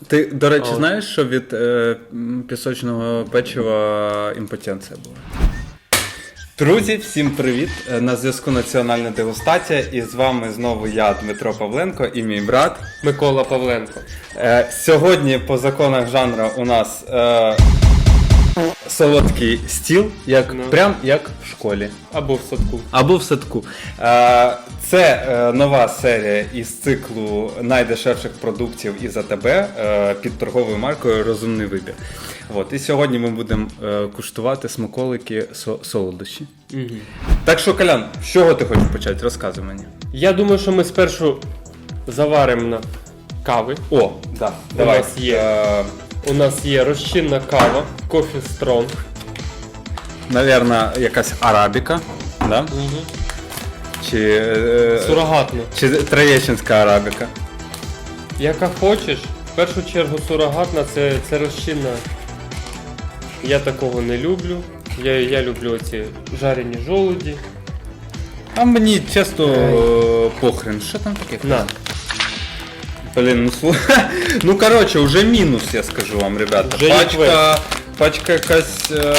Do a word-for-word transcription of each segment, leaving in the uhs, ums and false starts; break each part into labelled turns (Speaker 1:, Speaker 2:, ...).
Speaker 1: Ти, до речі,
Speaker 2: О.
Speaker 1: знаєш, що від е, пісочного печива імпотенція була? Друзі, всім привіт! На зв'язку Національна дегустація, і з вами знову я, Дмитро Павленко, і мій брат
Speaker 2: Микола Павленко.
Speaker 1: Е, сьогодні по законах жанру у нас е, солодкий стіл, як,
Speaker 2: Ну.
Speaker 1: прям як в школі.
Speaker 2: Або в садку.
Speaker 1: Або в садку. Е, Це е, нова серія із циклу найдешевших продуктів із АТБ е, під торговою маркою «Розумний вибір». От, і сьогодні ми будемо е, куштувати смаколики со- солодощі.
Speaker 2: Угу.
Speaker 1: Так що, Колян, з чого ти хочеш почати? Розказуй мені.
Speaker 2: Я думаю, що ми спершу заваримо на кави.
Speaker 1: О, да, давай.
Speaker 2: нас є.
Speaker 1: Е,
Speaker 2: У нас є розчинна кава, Coffee Strong.
Speaker 1: Навірно, якась арабіка, да?
Speaker 2: Угу.
Speaker 1: Чи, е,
Speaker 2: Сурогатна.
Speaker 1: чи троєщинська арабіка.
Speaker 2: Яка хочеш. В першу чергу сурогатна це, це розчинна. Я такого не люблю. Я, я люблю оці жарені жолуді.
Speaker 1: А мені чесно е, похрен, що там таке?
Speaker 2: На.
Speaker 1: Блін, ну слухай. Ну коротше, вже мінус, я скажу вам, ребята.
Speaker 2: Вже
Speaker 1: Пачка, пачка якась. Е...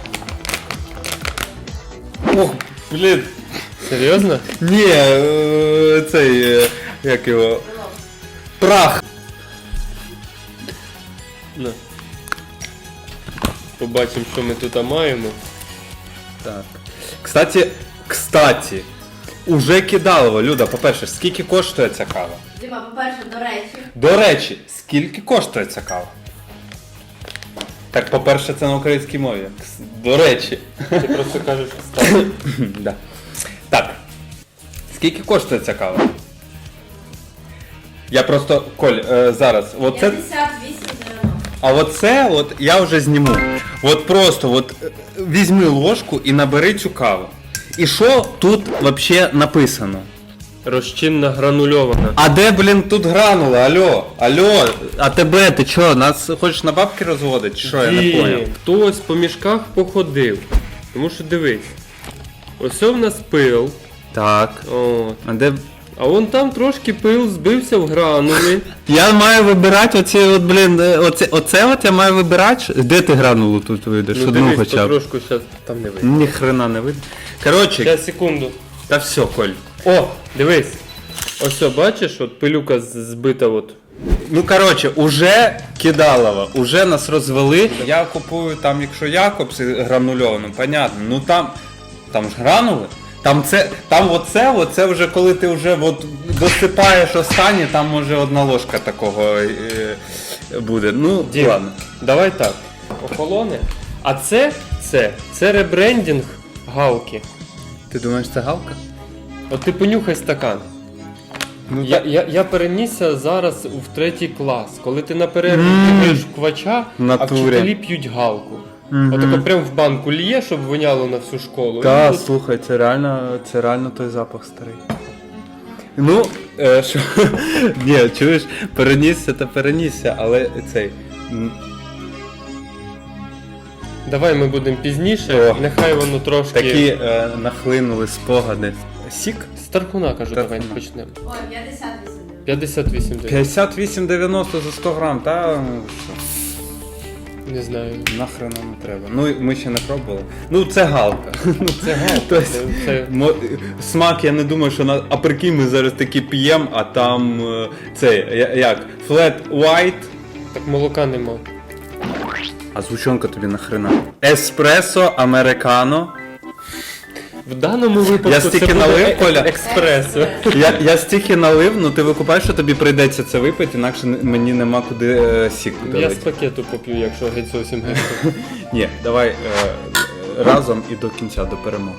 Speaker 1: Ох, блін.
Speaker 2: Серйозно?
Speaker 1: Ні, е, цей, е, як його. Прах.
Speaker 2: На. Побачимо, що ми тут маємо.
Speaker 1: Так. Кстати, кстати, уже кидалово, Люда, по-перше, скільки коштує ця кава?
Speaker 3: Діма, по-перше, до речі,
Speaker 1: До речі, скільки коштує ця кава? Так, по-перше, це на українській мові. До речі.
Speaker 2: Ти просто кажеш, встав.
Speaker 1: Да. Так. Скільки коштує ця кава? Я просто, Коль, е, зараз, оце,
Speaker 3: п'ятдесят вісім дев'яносто.
Speaker 1: а оце от я вже зніму. От просто от е, візьми ложку і набери цю каву. І що тут взагалі написано?
Speaker 2: Розчинна гранульована.
Speaker 1: А де, блін, тут гранула? Алло, алло, а тебе, ти чо, нас хочеш на бабки розводити? Чи що, я не
Speaker 2: Ні,
Speaker 1: поняв?
Speaker 2: хтось по мішках походив. Тому що дивись. Ось у нас пил.
Speaker 1: Так.
Speaker 2: От.
Speaker 1: А де...
Speaker 2: А вон там трошки пил збився в гранули.
Speaker 1: Я маю вибирати оці от, блін, е, оце, оце от я маю вибирати. Де ти гранулу тут видиш?
Speaker 2: Ну
Speaker 1: Одну
Speaker 2: дивись,
Speaker 1: хоча б.
Speaker 2: потрошку зараз там не видно.
Speaker 1: Ні хрена не видно. Коротше,
Speaker 2: Зараз, секунду.
Speaker 1: та все, Коль.
Speaker 2: О, дивись. Ось, о, бачиш, от пилюка з- збита от.
Speaker 1: Ну, коротше, уже кидалово, уже нас розвели. Я купую там, якщо Якобс гранульовану, понятно. Ну там, там ж гранули. Там це, там оце, оце вже коли ти вже от досипаєш останнє, там може одна ложка такого е, буде. Ну,
Speaker 2: Дім,
Speaker 1: ладно.
Speaker 2: Давай так. Охолоне. А це, це, це ребрендінг галки.
Speaker 1: Ти думаєш, це галка?
Speaker 2: От ти понюхай стакан.
Speaker 1: Ну,
Speaker 2: Я, я, я перенісся зараз в третій клас, коли ти на перерві
Speaker 1: Мм.
Speaker 2: п'єш квача,
Speaker 1: В
Speaker 2: а
Speaker 1: натурі.
Speaker 2: вчителі п'ють галку.
Speaker 1: Мгм.
Speaker 2: Отако прям в банку лє, щоб воняло на всю школу.
Speaker 1: Та,
Speaker 2: І от
Speaker 1: слухай, це реально, це реально той запах старий. Ну, е, що, ні, чуєш, перенісся та перенісся, але цей. м,
Speaker 2: Давай ми будемо пізніше,
Speaker 1: О.
Speaker 2: нехай воно трошки...
Speaker 1: Такі е, нахлинули спогади. Сік?
Speaker 2: З Тархуна, кажу,
Speaker 1: Тархуна.
Speaker 2: давай почнемо.
Speaker 3: Ой, п'ятдесят вісім дев'яносто.
Speaker 2: п'ятдесят вісім дев'яносто.
Speaker 1: п'ятдесят вісім дев'яносто за сто грам, та ну, що,
Speaker 2: Не знаю.
Speaker 1: нахрена не треба. Ну, ми ще не пробували. Ну, це галка. Ну,
Speaker 2: Це галка.
Speaker 1: Тобто,
Speaker 2: Це, це...
Speaker 1: мо- смак, я не думаю, що на. А прикинь, ми зараз такі п'ємо, а там е, цей, я- як? Flat white.
Speaker 2: Так молока нема.
Speaker 1: А згущенка тобі нахрена? Еспресо, американо.
Speaker 2: В даному випадку
Speaker 1: Я стільки
Speaker 2: це буде
Speaker 1: налив,
Speaker 2: е-
Speaker 1: Коля?
Speaker 2: експресо.
Speaker 1: Я, я стільки налив, ну ти викупаєш, що тобі прийдеться це випити, інакше не- мені нема куди е, сік
Speaker 2: Я з
Speaker 1: долити.
Speaker 2: пакету поп'ю, якщо геть зовсім геть.
Speaker 1: Ні, давай е, разом і до кінця, до перемоги.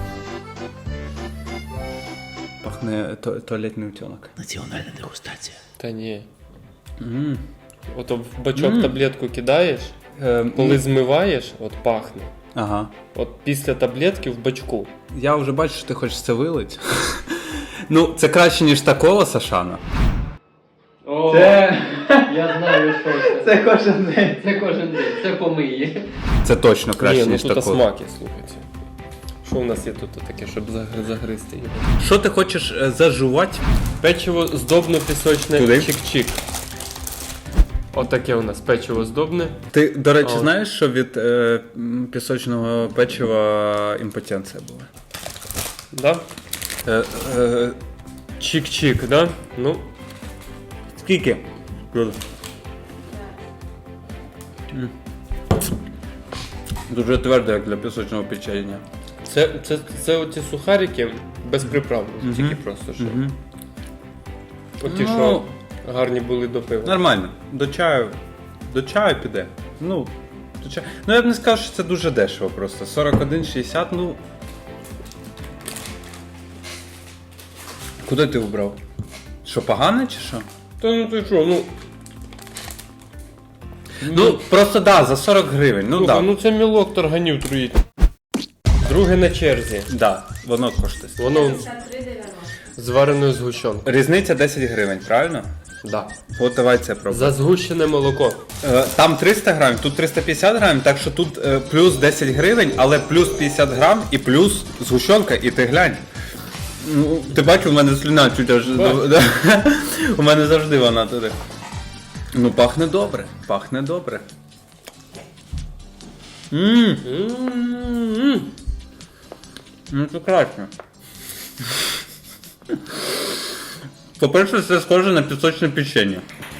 Speaker 1: Пахне то, туалетний утенок.
Speaker 4: Національна дегустація.
Speaker 2: Та ні.
Speaker 1: М.
Speaker 2: Ото в бачок
Speaker 1: Мм.
Speaker 2: таблетку кидаєш,
Speaker 1: Е,
Speaker 2: коли
Speaker 1: м,
Speaker 2: змиваєш, от пахне.
Speaker 1: Ага.
Speaker 2: От після таблетки в бачку.
Speaker 1: Я вже бачу, що ти хочеш це вилити. Ну, це краще, ніж та кола Сашана.
Speaker 2: О,
Speaker 1: Це-
Speaker 2: я знаю, що це.
Speaker 1: Це кожен день.
Speaker 2: Це кожен день, це помиє.
Speaker 1: Це точно краще,
Speaker 2: Ні, ну
Speaker 1: ніж
Speaker 2: тут
Speaker 1: та кола.
Speaker 2: смаки, слухайте. Що у нас є тут таке, щоб загри- загризти його?
Speaker 1: Що ти хочеш е, зажувати?
Speaker 2: Печиво здобно-пісочне
Speaker 1: Туди?
Speaker 2: чик-чик. Отаке у нас печиво здобне.
Speaker 1: Ти, до речі,
Speaker 2: А.
Speaker 1: знаєш, що від е, м, пісочного печива імпотенція була?
Speaker 2: Да?
Speaker 1: Е, е,
Speaker 2: Чик-чик, да? Ну,
Speaker 1: скільки? Дуже твердо, як для пісочного печення.
Speaker 2: це, це, це оці сухарики без приправ.
Speaker 1: Мгм.
Speaker 2: Тільки просто що.
Speaker 1: Угу.
Speaker 2: Оті,
Speaker 1: Ну,
Speaker 2: що гарні були до пива.
Speaker 1: Нормально. До чаю. До чаю піде. Ну, до чаю. Ну я б не сказав, що це дуже дешево просто. сорок один шістдесят, ну. Куди ти убрав? Що, погане чи що?
Speaker 2: Та ну ти що, ну.
Speaker 1: Ну, просто да, за сорок гривень. Ну
Speaker 2: Слухай,
Speaker 1: да.
Speaker 2: ну це мілок торганів труїть. Друге на черзі.
Speaker 1: Да, воно коштує.
Speaker 2: Воно
Speaker 3: п'ятдесят три дев'яносто.
Speaker 2: з вареною згущенкою.
Speaker 1: Різниця десять гривень, правильно?
Speaker 2: Да.
Speaker 1: От давай це пробуємо.
Speaker 2: За згущене молоко.
Speaker 1: Е, Там триста грамів, тут триста п'ятдесят грамів, так що тут е, плюс десять гривень, але плюс п'ятдесят грам і плюс згущенка, і ти глянь. Ну, ти бачиш, у мене слюна чуть аж.
Speaker 2: Бачу.
Speaker 1: Да. У мене завжди вона туди. Ну, пахне добре, пахне добре. Ммм,
Speaker 2: М-м-м.
Speaker 1: ну це краще. По-перше, це схоже на пісочне печення.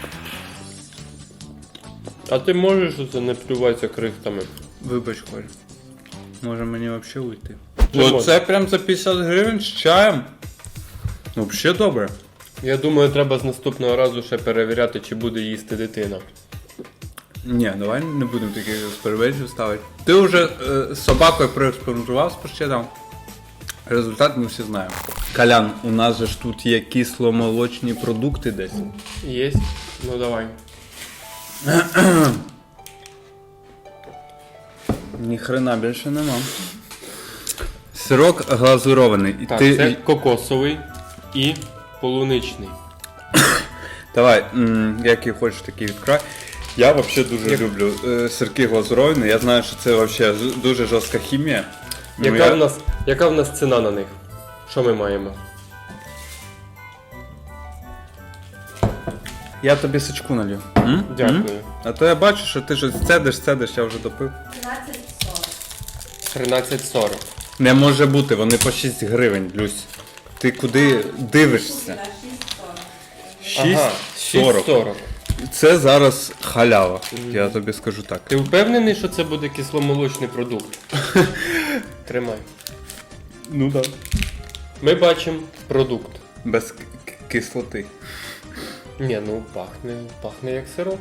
Speaker 2: А ти можеш оце не плюватися крихтами?
Speaker 1: Вибач, Коль. Може мені взагалі уйти.
Speaker 2: Чому?
Speaker 1: Оце прям за п'ятдесят гривень з чаєм. Ну, взагалі добре.
Speaker 2: Я думаю, треба з наступного разу ще перевіряти, чи буде їсти дитина.
Speaker 1: Ні, давай не будемо таких експериментів ставити. Ти вже е, з собакою проекспериментував з паштетом. Результат ми всі знаємо. Колян, у нас же ж тут є кисломолочні продукти десь.
Speaker 2: Єсть? Ну давай.
Speaker 1: Ніхрена більше нема. Сирок глазурований. І
Speaker 2: Так,
Speaker 1: ти...
Speaker 2: це кокосовий і полуничний.
Speaker 1: Давай, м, який хочеш, такий відкрай. Я взагалі дуже
Speaker 2: Як-
Speaker 1: люблю е, сирки глазуровані. Я знаю, що це взагалі з- дуже жорстка хімія. Ну,
Speaker 2: Яка,
Speaker 1: я-
Speaker 2: в нас, яка в нас ціна на них? Що ми маємо?
Speaker 1: Я тобі сачку налью. М?
Speaker 2: Дякую.
Speaker 1: М? А то я бачу, що ти щось цедиш, цедиш, я вже допив.
Speaker 3: тринадцять сорок.
Speaker 2: тринадцять сорок.
Speaker 1: Не може бути, вони по шість гривень, Люсь. Ти куди дивишся?
Speaker 3: шість сорок.
Speaker 2: Ага,
Speaker 1: шість
Speaker 2: шість
Speaker 1: сорок.
Speaker 2: сорок.
Speaker 1: Це зараз халява, я тобі скажу так.
Speaker 2: Ти впевнений, що це буде кисломолочний продукт? Тримай.
Speaker 1: Ну так.
Speaker 2: Ми бачимо продукт.
Speaker 1: Без к- к- кислоти.
Speaker 2: Ні, ну пахне, пахне як сирок.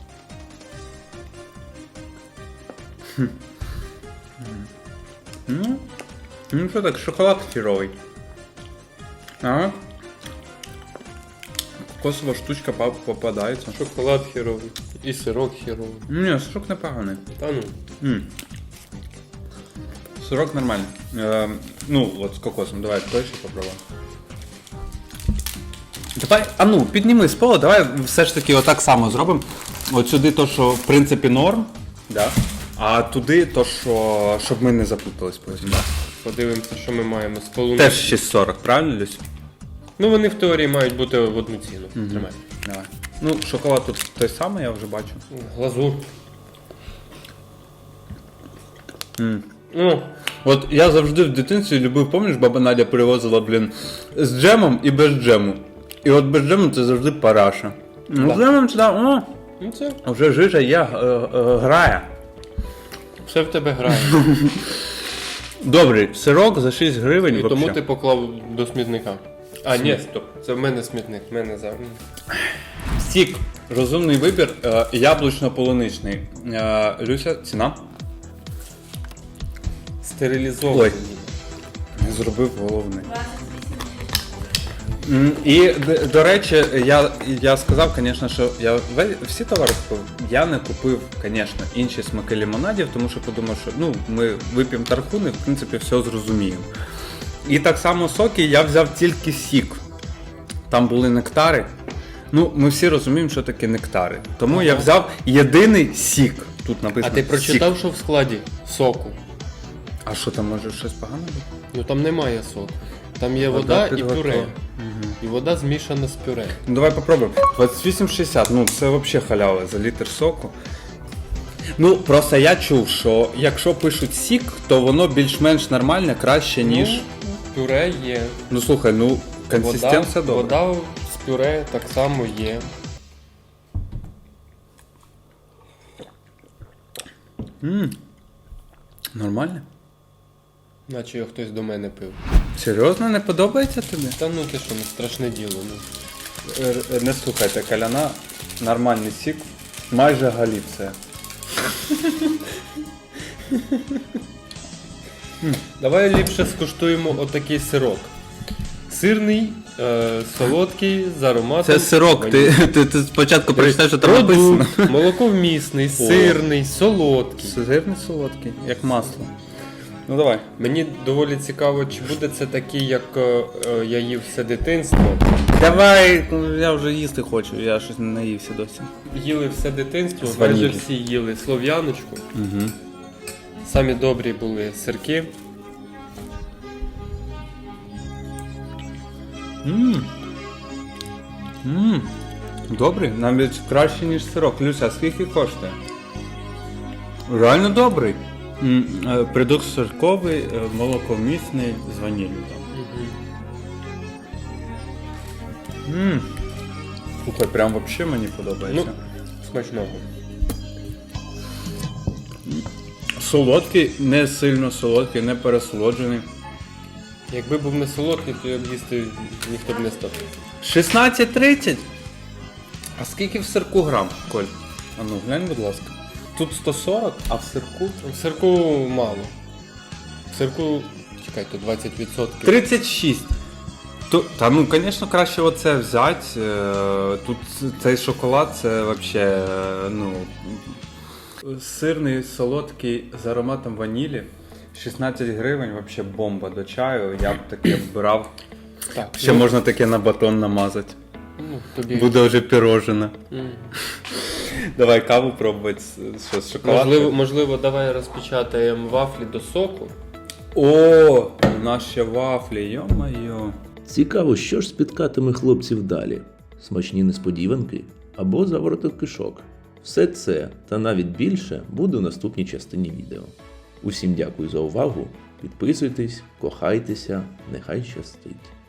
Speaker 1: Ну, ну що так, шоколад хіровий. Ага. Кокосова штучка па- попадається.
Speaker 2: Шоколад хіровий. І сирок хіровий.
Speaker 1: Ні, сирок непоганий.
Speaker 2: Та ну.
Speaker 1: М. Сирок нормальний. Е, ну, от з кокосом. Давай той ще попробуємо. Давай, а ну, підніми з пола, давай все ж таки отак само зробимо. От сюди то, що в принципі норм. Да. А туди то, що. Щоб ми не заплутались потім. Да.
Speaker 2: Подивимося, що ми маємо з полуничним.
Speaker 1: Теж шість сорок, правильно, Люсь?
Speaker 2: Ну вони в теорії мають бути в одну ціну. Тримай.
Speaker 1: Давай. Ну, шоколад тут той самий, я вже бачу.
Speaker 2: Глазур.
Speaker 1: М.
Speaker 2: Ну,
Speaker 1: От я завжди в дитинстві любив, пам'ятаєш, баба Надя привозила, блін, з джемом і без джему. І от без джему це завжди параша. Ну,
Speaker 2: Да.
Speaker 1: з джемом це, о,
Speaker 2: ну це
Speaker 1: вже жижа є, е, е, грає.
Speaker 2: все в тебе грає.
Speaker 1: Добрий, сирок за шість гривень.
Speaker 2: І тому
Speaker 1: вообще.
Speaker 2: ти поклав до смітника. А, ні, стоп. Це в мене смітник, в мене за. м.
Speaker 1: Сік. Розумний вибір, е, яблучно-полуничний. Е, Люся, ціна?
Speaker 2: Стерилізований.
Speaker 1: Не зробив головне.
Speaker 3: двадцять вісім.
Speaker 1: М, І, д- до речі, я, я сказав, звісно, що я ве- всі товари купив. Я не купив, звісно, інші смаки лимонадів, тому що подумав, що ну, ми вип'ємо тархун і, в принципі, все зрозуміємо. І так само соки я взяв тільки сік. Там були нектари. Ну, ми всі розуміємо, що таке нектари. Тому я
Speaker 2: Ага.
Speaker 1: взяв єдиний сік. Тут
Speaker 2: А
Speaker 1: написано
Speaker 2: ти
Speaker 1: сік.
Speaker 2: прочитав, що в складі соку?
Speaker 1: А що там, може щось погане бути?
Speaker 2: Ну там немає соку. Там є
Speaker 1: Вода
Speaker 2: вода,
Speaker 1: під
Speaker 2: і
Speaker 1: готов.
Speaker 2: пюре.
Speaker 1: Мгм.
Speaker 2: І вода змішана з пюре.
Speaker 1: Ну давай попробуємо. двадцять вісім шістдесят, ну це взагалі халява за літр соку. Ну, просто я чув, що якщо пишуть сік, то воно більш-менш нормальне, краще, ніж.
Speaker 2: Ну, пюре є.
Speaker 1: Ну слухай, ну консистенція
Speaker 2: вода,
Speaker 1: добра.
Speaker 2: вода з пюре так само є.
Speaker 1: М, Нормально?
Speaker 2: Наче його хтось до мене пив.
Speaker 1: Серйозно, не подобається тобі?
Speaker 2: Та ну ти що, не страшне діло. Ну.
Speaker 1: Е, Не слухайте, каляна, нормальний сік, майже Галіція.
Speaker 2: Давай ліпше скуштуємо отакий сирок. Сирний, е, солодкий, з ароматом.
Speaker 1: Це сирок, ти, ти, ти спочатку прочитаєш, що там написано.
Speaker 2: Продукт, молоковмісний, сирний, солодкий.
Speaker 1: Сирний солодкий, як масло. Ну давай.
Speaker 2: Мені доволі цікаво, чи буде це такий, як е, е, я їв все дитинство.
Speaker 1: Давай, ну, я вже їсти хочу, я щось не наївся досі.
Speaker 2: Їли все дитинство,
Speaker 1: З
Speaker 2: майже
Speaker 1: ваніллю.
Speaker 2: всі їли слов'яночку.
Speaker 1: Угу.
Speaker 2: Самі добрі були сирки.
Speaker 1: Ммм. Ммм. Добрий, навіть краще, ніж сирок. Люся, а скільки коштує? Реально добрий. М, е, Продукт сирковий, е, молоковмісний, з ваніллю там. Ммм. Слухай, прям вообще мені подобається.
Speaker 2: Ну, смачного.
Speaker 1: Солодкий, не сильно солодкий, не пересолоджений.
Speaker 2: Якби був не солодкий, то я б їсти ніхто б не став.
Speaker 1: шістнадцять тридцять? А скільки в сирку грам, Коль? А ну глянь, будь ласка. Тут сто сорок, а в сирку
Speaker 2: В сирку мало. В сирку, чекай, то двадцять відсотків.
Speaker 1: тридцять шість. То, та ну, звісно, краще оце взяти. Е, Тут цей шоколад, це взагалі, ну, сирний, солодкий з ароматом ванілі. шістнадцять гривень, взагалі бомба до чаю. Я б таке брав.
Speaker 2: Так,
Speaker 1: Ще
Speaker 2: ну,
Speaker 1: можна таке на батон намазати.
Speaker 2: ну, тобі...
Speaker 1: Буде вже пірожене.
Speaker 2: М.
Speaker 1: Давай каву пробувати. Що, з шоколадкою?
Speaker 2: Можливо, можливо, давай розпечатаємо вафлі до соку.
Speaker 1: О, у нас ще вафлі, йо-моє.
Speaker 4: Цікаво, що ж спіткатиме хлопців далі: смачні несподіванки або завороток кишок. Все це та навіть більше буде у наступній частині відео. Усім дякую за увагу, підписуйтесь, кохайтеся, нехай щастить!